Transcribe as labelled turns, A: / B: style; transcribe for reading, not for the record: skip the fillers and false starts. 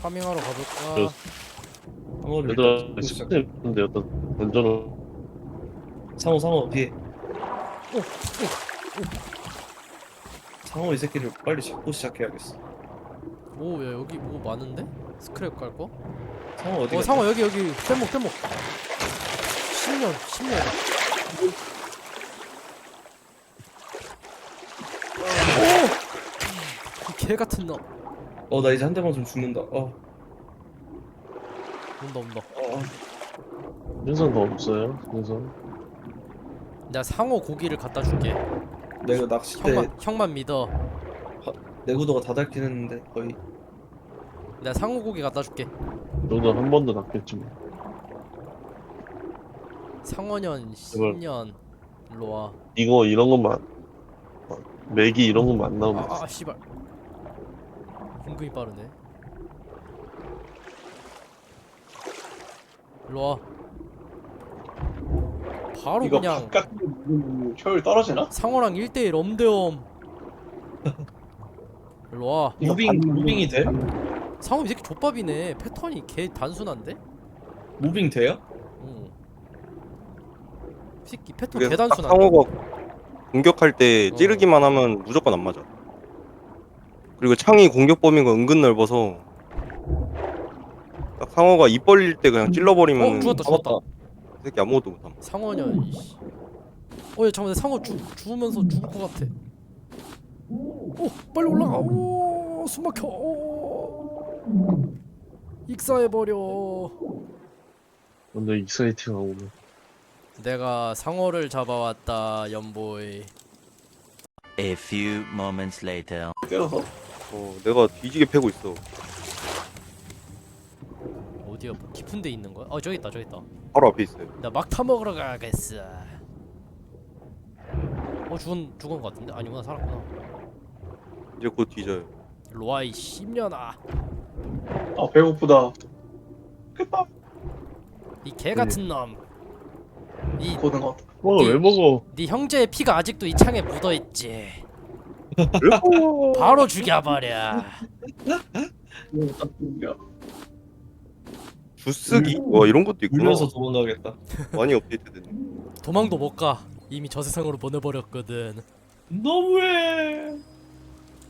A: 파밍하러 가볼까?
B: 상어를
C: 얘들아
B: 일단 잡고 시작.
C: 시스템인데 어떤 던전을
B: 상어 뒤에. 상어 이 새끼를 빨리 잡고 시작해야겠어.
A: 오, 야 여기 뭐 많은데? 스크랩 갈 거?
B: 상어 어디 갔냐?
A: 상어 여기 뗏목 10년 오! 이 개같은 놈
B: 나 이제 한 대만 좀 죽는다.
A: 온다
C: 생선 더 없어요? 생선?
A: 내가 상어 고기를 갖다 줄게.
B: 내가 낚싯대
A: 형만 믿어.
B: 내구도가 다 닳긴 했는데 거의.
A: 내가 상어 고기 갖다 줄게.
C: 너도 한 번도 낚였지 뭐.
A: 상어년 10년 일로와.
C: 이거 이런 것만 맥이 이런 것만 안 나오면
A: 아 씨발 은근히 빠르네. 일로와. 바로
D: 이거
A: 그냥
D: 바깥 효율 떨어지나?
A: 상어랑 1대1 엄대엄. 일로와.
D: 이거
B: 무빙이 돼?
A: 상어 이 새끼 족밥이네. 패턴이 개 단순한데?
B: 무빙 돼요?
A: 응. 이 새끼 패턴
E: 그래서
A: 개
E: 딱
A: 단순한데?
E: 상어가 공격할 때
A: 어.
E: 찌르기만 하면 무조건 안 맞아. 그리고 창이 공격 범위가 은근 넓어서 딱 상어가 입 벌릴 때 그냥 찔러버리면
A: 죽었다.
E: 이 새끼 아무것도 못함.
A: 상어년 이씨. 야 잠깐만 상어 죽으면서 죽을 것 같아. 오 빨리 올라가. 오 숨막혀. 오. 익사해버려.
C: 근데 익사이팅하고
A: 내가 상어를 잡아왔다 연보이.
F: A few moments later.
D: 때려서
E: 내가 뒤지게 패고 있어.
A: 어디야 뭐 깊은 데 있는 거야? 저기 있다
E: 바로 앞에 있어요.
A: 나 막타 먹으러 가겠어. 죽은 것 같은데? 아니구나 살았구나.
E: 이제 곧 뒤져요.
A: 일로와 이 10년아.
D: 아 배고프다. 깼다.
A: 이 개같은 놈. 이
D: 고등어.
C: 왜 먹어?
A: 네 형제의 피가 아직도 이 창에 묻어있지.
E: 그리고
A: 바로 죽여버려.
E: 주쓰기? 와 이런 것도 있구나.
B: 울면서 도망가겠다.
E: 많이 업데이트됐네.
A: 도망도 못 가. 이미 저 세상으로 보내버렸거든.
B: 너무해.